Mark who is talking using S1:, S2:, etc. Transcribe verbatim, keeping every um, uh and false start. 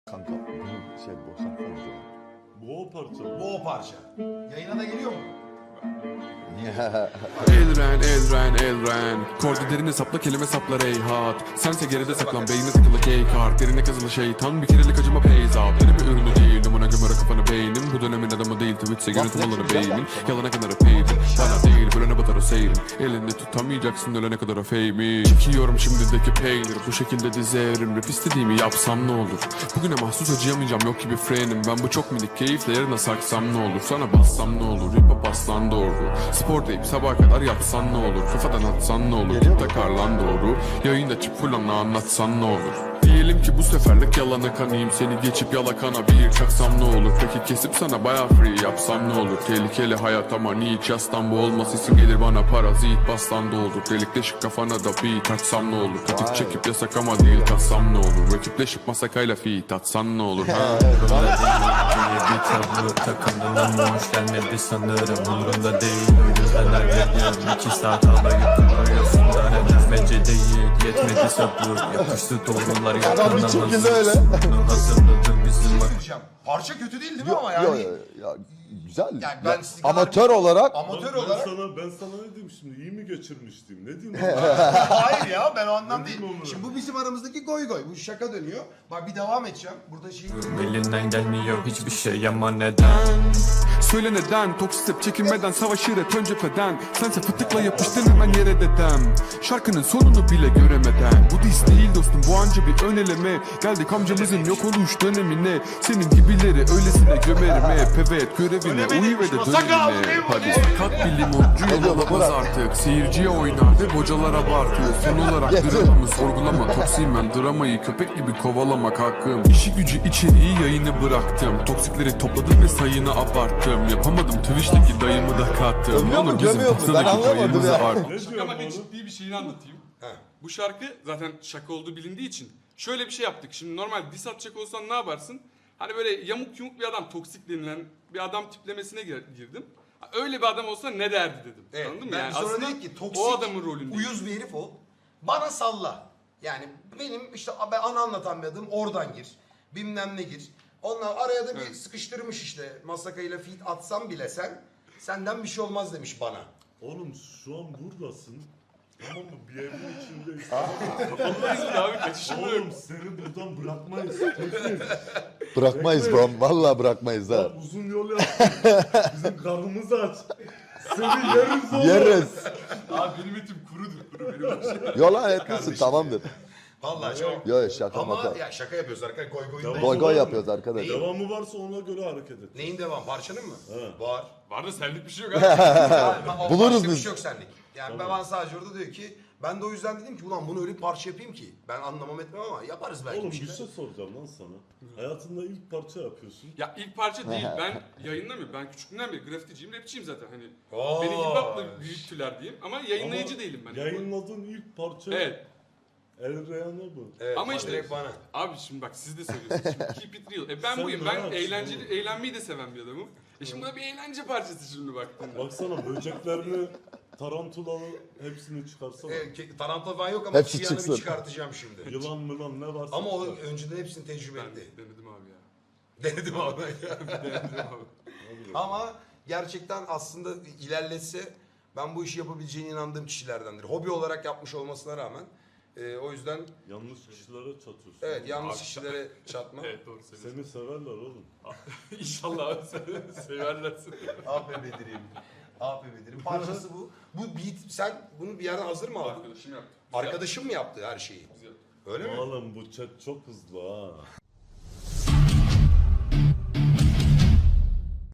S1: Kanka bunu şey boşaltsanız ya.
S2: Bu o parça.
S3: Bu o parça. Yayına da geliyor mu?
S4: Elren, Elren, Elren Korda derine sapla kelime saplar ey hat. Sense geride saklan beynine takılı keykart. Derine kazılı şeytan bir kerelik acıma peyzap. Benim bir ürünü değil numara gömara kafanı beynim. Bu dönemin adamı değil Twitch'e yönetim alanı beynin. Yalana kadar peydim bana değil bölene batar o seyrim. Elinde tutamayacaksın ölene kadar o fame'i. Çekiyorum şimdideki peynir. Bu şekilde dizerim rap istediğimi yapsam ne olur. Bugüne mahsus acıyamayacağım yok gibi frenim. Ben bu çok minik keyifle yarına saksam ne olur. Sana bassam ne olur hip hop aslan doğru. Spor deyip sabaha kadar yatsan ne olur. Kafadan atsan ne olur. Tip takarlan doğru. Yayında çık fulana anlatsan ne olur. Diyelim ki bu seferlik yalana kanayım. Seni geçip yalakana bir çaksam ne olur. Peki kesip sana baya free yapsam ne olur. Tehlikeli hayat ama hiç yastan bu olmaz. İsim gelir bana parazit bastan da olur. Delikleşik kafana da beat açsam ne olur. Tetik çekip yasak ama değil tatsam ne olur. Rakipleşip masakayla feat atsan ne olur. Ha?
S5: Bir tablo takımdan hoş gelmedi sanırım. Umurumda değil o yüzden hallediyorum. İki saat ağlayıp duruyorsun da neden bence değil. Yetmedi sabır yapıştı doğrular
S1: Adam bir çok güzel öyle.
S5: Hazırladı bizim
S3: Söyleyeceğim. Parça kötü değil değil mi ama yani?
S1: Yo, yo, ya, güzel.
S3: Yani ben
S1: Ya,
S3: sizin kadar-
S1: amatör olarak
S3: Amatör
S2: Ben
S3: olarak.
S2: sana, ben sana ne diyeyim şimdi? İyi mi geçirmiştim? Ne diyeyim?
S3: Hayır ya ben o anlam
S2: Ne
S3: değil.
S2: diyeyim onu?
S3: Şimdi bu bizim aramızdaki goy goy. Bu şaka dönüyor. Bak bir devam edeceğim. Burada şey...
S5: elinden gelmiyor hiçbir şey ama neden?
S4: Söyle neden toksik step çekinmeden savaşır hep ön cepheden. Sense fıtıkla yapıştın hemen yere dedem. Şarkının sonunu bile göremeden. Bu diss değil dostum bu anca bir ön eleme. Geldik amcamızın yok oluş dönemine. Senin gibileri öylesine gömerim hep. Evet görevine uyu ve de dönemine. Hadi sakat bir limoncu yolamaz artık. Seyirciye oynar ve bocalar abartıyor. Son olarak dramamı sorgulama. Toksiyim ben dramayı köpek gibi kovalamak hakkım. İşi gücü içeriği yayını bıraktım. Toksikleri topladım ve sayını abarttım. Yapamadım Twitch'teki dayımı da kattım.
S1: Övüyor mu,
S4: Olur bizim
S1: gömüyor mu? Ben
S4: Tatsa'daki
S1: anlamadım
S4: payımızı
S1: ya.
S4: art.
S2: Ne
S6: Şaka
S2: diyorum
S6: bakın
S2: oğlum?
S6: ciddi bir şeyini anlatayım.
S3: He.
S6: Bu şarkı zaten şaka olduğu bilindiği için şöyle bir şey yaptık. Şimdi normal diss atacak olsan ne yaparsın? Hani böyle yamuk yumuk bir adam, toksik denilen bir adam tiplemesine gir- girdim. Ha, öyle bir adam olsa ne derdi dedim.
S3: Evet,
S6: Anladın mı?
S3: ben
S6: Yani
S3: sonra
S6: aslında
S3: dedik ki toksik,
S6: o adamın rolünde.
S3: uyuz bir herif ol. Bana salla. Yani benim işte ben ana anlatan bir adım oradan gir. Bilmem ne gir. Onlar araya da bir
S6: Evet.
S3: sıkıştırmış işte. Masakayla feat atsam bile sen senden bir şey olmaz demiş bana.
S2: Oğlum şu an buradasın. Tamam mı? Bir evin içindeyiz.
S6: Kapalıyız bir abi kaçışım yok.
S2: Oğlum seni buradan bırakmayız. Kesin.
S1: bırakmayız bro. Vallahi bırakmayız ha.
S2: Bak uzun yol yaptık. Bizim karnımızı aç. Seni yeriz oğlum.
S1: Yeriz.
S6: Abi benim etim kurudur kuru benim etim.
S1: Yola etmesin tamamdır.
S3: Vallahi çok.
S1: Yo yo şaka
S3: Ama
S1: maka.
S3: ya şaka yapıyoruz arkadaşlar. Goy goy.
S2: Devam.
S1: Goy goy yapıyoruz arkadaş.
S2: Devamı varsa ona göre hareket et.
S3: Neyin devam? Parçanın mı?
S2: He.
S3: Var.
S6: Var da senlik bir şey yok abi.
S3: Yani o
S1: Buluruz
S3: başka bir
S1: biz.
S3: şey yok senlik. Yani ben sadece orada diyor ki ben de o yüzden dedim ki ulan bunu öyle bir parça yapayım ki ben anlamam etmem ama yaparız belki
S2: Oğlum
S3: bir
S2: bir
S3: şeyler.
S2: şey soracağım lan sana. Hayatında ilk parça yapıyorsun.
S6: Ya ilk parça değil ben yayınlamıyorum. Ben küçüklüğümden beri grafiticiyim, rapçiyim zaten. Hani
S3: Oo.
S6: beni hip hop'la büyüttüler diyeyim ama yayınlayıcı
S2: Ama
S6: değilim ben.
S2: Yayınladığın ilk parça
S6: Evet.
S2: El Reyhan'a bu.
S3: Evet,
S6: Ama
S3: ama
S6: işte-
S3: direkt bana.
S6: Abi şimdi bak siz de söylüyorsunuz. Şimdi keep it real. E ben
S2: Sen
S6: buyum.
S2: rahat
S6: Ben
S2: ol.
S6: eğlenceli, eğlenmeyi de seven bir adamım. E şimdi bu da bir eğlence parçası şimdi baktığında.
S2: Baksana böceklerini, tarantulalı hepsini çıkarsana.
S3: Evet, ke- tarantula falan yok ama
S1: Hepsi
S3: Hepsi
S1: çıksın.
S3: bir çıkartacağım şimdi.
S2: Yılan mılan ne varsa.
S3: Ama o
S2: çıkar.
S3: önceden hepsini tecrübe
S6: Ben
S3: etti.
S6: denedim abi ya.
S3: Denedim abi.
S6: Denedim abi.
S3: Ama gerçekten aslında ilerletse ben bu işi yapabileceğine inandığım kişilerdendir. Hobi olarak yapmış olmasına rağmen. e, o yüzden
S2: Yanlış kişilere çatıyorsun.
S3: evet yanlış
S6: Abi-
S3: kişilere çatma.
S6: Evet doğru söylüyorsun.
S2: Seni severler oğlum.
S6: İnşallah abi se- severler seni.
S3: A P Bedir'im. A P Bedir'im. Parçası bu. Bu beat sen bunu bir yerden hazır mı aldın?
S6: Arkadaşım yaptı. Güzel.
S3: Arkadaşım mı yaptı her şeyi?
S6: Güzel.
S3: Öyle mi?
S2: Oğlum bu chat çok hızlı ha.